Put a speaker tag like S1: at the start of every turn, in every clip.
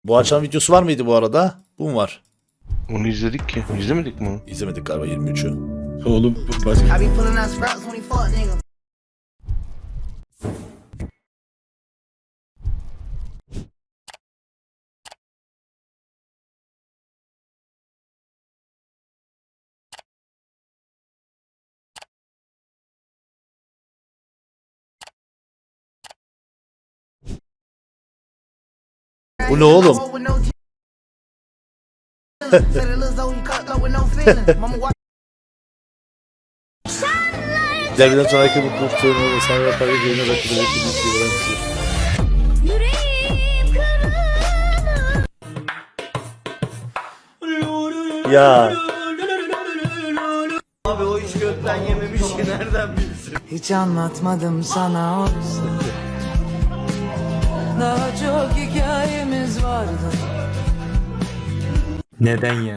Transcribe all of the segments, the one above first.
S1: Bu akşam videosu var mıydı bu arada? Bu mu var?
S2: Onu izledik ki. İzlemedik mi onu?
S1: İzlemedik galiba 23'ü.
S3: Oğlum başka.
S4: I be pulling out scraps when he fuck nigga.
S1: Bu ne oğlum? Derbiden sonraki mutluluk sorunu ve sen yaparken yerine rakibi Ya
S5: Abi o iş gökten yememiş ki nereden bilsin?
S4: Hiç anlatmadım sana oysa. Daha çok hikayemiz vardı.
S3: Neden ya?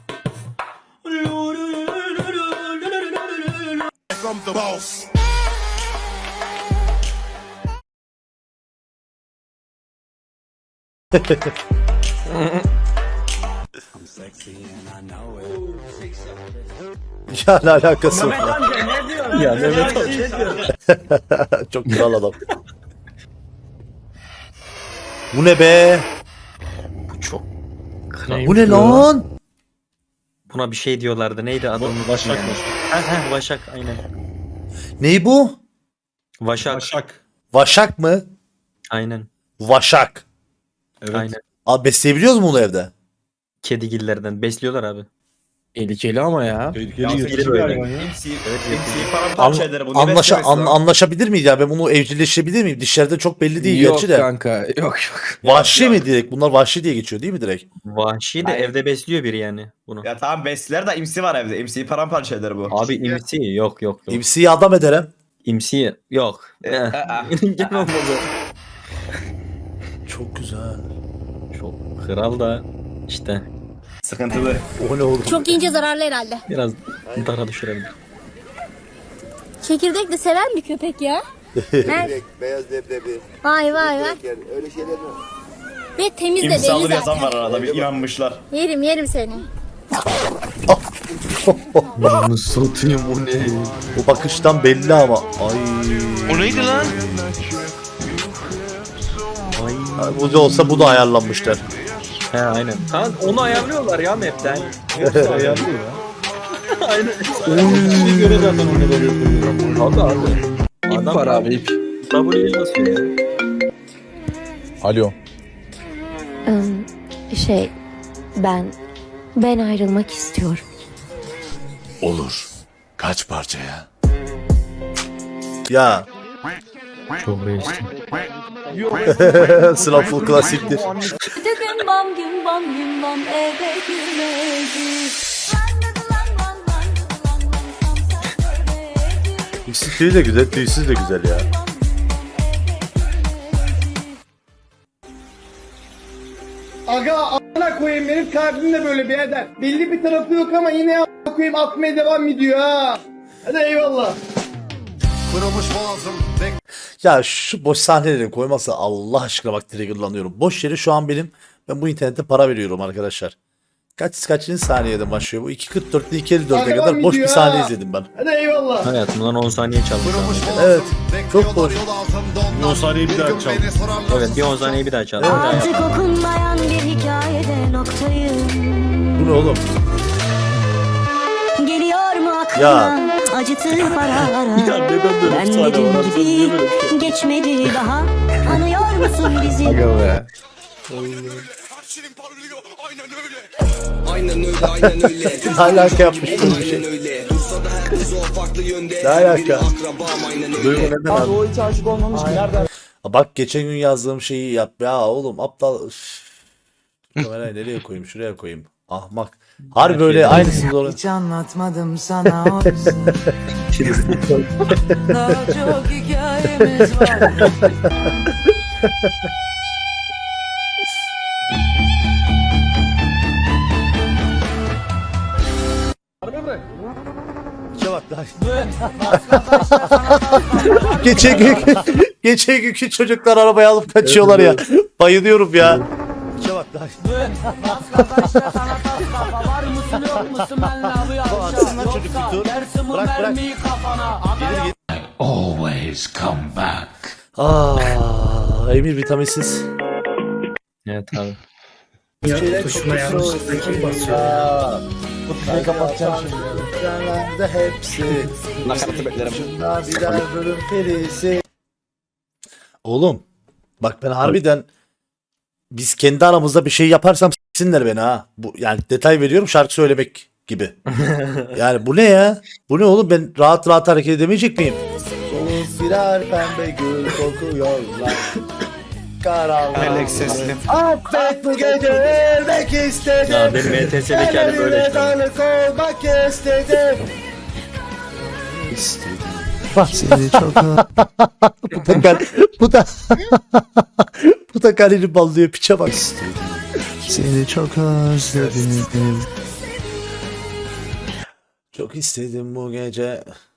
S1: ya ne alakası var?
S3: Ya Mehmet abi.
S1: Çok güzel adam. Bu ne be?
S3: Bu çok
S1: Bu ne lan?
S3: Buna bir şey diyorlardı. Neydi adı?
S6: Başak
S3: Yani.
S6: mı?
S3: Vaşak aynen.
S1: Ney bu?
S3: Vaşak.
S6: Başak.
S1: Vaşak mı?
S3: Aynen.
S1: Vaşak.
S6: Evet.
S3: Aynen.
S1: Abi besleyebiliyoruz mu bunu evde?
S3: Kedigillerden besliyorlar abi.
S7: Tehlikeli ama ya.
S6: Tehlikeli
S3: Yansın
S6: yırtıcı
S3: biri
S6: bir
S3: böyle.
S6: hayvan ya.
S5: Paramparçaları bunu beslemesi lazım.
S1: Anlaşabilir miyiz ya? Ben bunu evcilleşebilir miyim? Dişlerden çok belli değil
S7: Yok
S1: gerçi de.
S7: kanka. Yok.
S1: Vahşi mi direkt? Bunlar vahşi diye geçiyor değil mi direkt?
S3: Vahşi de
S5: Aynen.
S3: evde besliyor biri yani bunu.
S5: Ya tamam besler de imsi var evde. İmsiyi paramparça eder bu.
S3: Abi imsi yok.
S1: İmsiyi adam ederim.
S3: İmsi yok. Gel olmadı.
S1: Çok güzel.
S3: Çok kral da işte
S5: Sıkıntılı.
S1: O ne oğlum?
S8: Çok ince zararlı herhalde.
S3: biraz dara düşürebilir.
S8: Çekirdek de seven bir köpek ya. Ver.
S9: Beyaz leblebi,
S8: Vay vay vay.
S9: yani öyle şeyler mi?
S8: Ve temiz de
S5: İmsi
S8: belli
S5: alır yazan
S8: zaten.
S5: var arada bir inanmışlar.
S8: Yerim seni.
S7: Bunu satayım bu ne?
S1: Bu bakıştan belli ama. Ay.
S2: O neydi lan?
S1: Ay, bu da olsa bu da ayarlanmışlar.
S3: He aynen. Ha, onu ayarlıyorlar ya map'ten.
S6: Ayarlıyor ya.
S3: Aynen.
S6: Bir göre zaten o ne oluyor koyuyor.
S3: Abi abi.
S7: İp var abi ip.
S3: W'yi basıyor ya.
S6: Alo.
S8: Ben ayrılmak istiyorum.
S1: Olur. Kaç parçaya? Ya.
S3: Çok değişti.
S1: Sınavful klasiktir.
S8: Dedim bam gün bam eve girmedi.
S1: Tüysüz de güzel, tüysüz de güzel ya.
S10: Aga a**ına koyayım benim kalbim de böyle birader. Belli bir tarafı yok ama yine a**ına koyayım atmaya devam ediyor ha. Hadi eyvallah.
S1: Ya şu boş sahneleri koymazsa Allah aşkına bak triggerlanıyorum. Boş yere şu an ben bu internette para veriyorum arkadaşıncı saniyede başlıyor bu? 2.44'te 2.54'e kadar boş bir sahne izledim ben.
S10: Hadi eyvallah.
S3: Hayatımdan 10 saniye çalmış.
S1: Evet. Çok boş.
S6: 10 saniye bir daha çal.
S3: Evet bir 10 saniye bir daha çaldım. Bir daha
S8: Artık
S3: yaptım.
S8: okunmayan bir hikayede noktayım.
S1: Bu ne oğlum?
S8: Geliyor mu aklına
S1: Ya.
S8: acıtır paralara?
S3: Ya neden böyle
S8: Ben
S3: bir sahne var?
S8: dediğim
S3: Harbiden
S8: gibi
S3: niye böyle bir şey?
S8: geçmedi daha. Anıyor musun bizi?
S7: Aga be.
S9: Aynen öyle.
S1: Ne alaka yapmış böyle bir şey?
S9: öyle. Dursa da herkes o farklı yönde.
S1: Ne alaka?
S9: Akrabam aynen öyle.
S1: Duygu neden abi?
S10: O hiç aşık olmamış ki nereden?
S1: Bak geçen gün yazdığım şeyi yap. Ya oğlum aptal. Üf. Kamerayı nereye koyayım? Şuraya koyayım. Ahmak. Harbi böyle aynısını doğru.
S4: Hiç anlatmadım sana oysa. Daha çok hikayemiz vardı.
S1: Bak lan. geçen günkü çocuklar arabayı alıp kaçıyorlar ya. Bayılıyorum ya. Bak.
S4: Taşla sana tas kafa. Var mısın yok musun benle abi
S1: atsın lan çocuk bir tur.
S4: Dersin bu
S1: Bırak, bırak.
S4: mermiyi kafana.
S1: Gelir git. Always come back. Emir vitaminsiz.
S3: Evet abi.
S10: Tuşuna yanlışlıkla kim basıyor?
S1: Bu tuşu kapatacağım şimdi. Canlarda hepsi.
S5: Nakaratı beklerim.
S1: Şunlar birer bölüm perisi. Oğlum. Bak ben harbiden biz kendi aramızda bir şey yaparsam s**sinler beni ha. Bu yani detay veriyorum şarkı söylemek gibi. Yani bu ne ya? Bu ne oğlum ben rahat rahat hareket edemeyecek miyim? Soluk birer pembe gül kokuyorlar. Karanlık
S5: sesli.
S1: Affet bu gece ölmek istedim.
S3: Ya benim ETS'deki hali böyle işte.
S1: Tanık olmak istedim. Bak seni çok bu da bu da kaleni ballıyor piçe bak. Seni çok özledim. Çok istedim bu gece.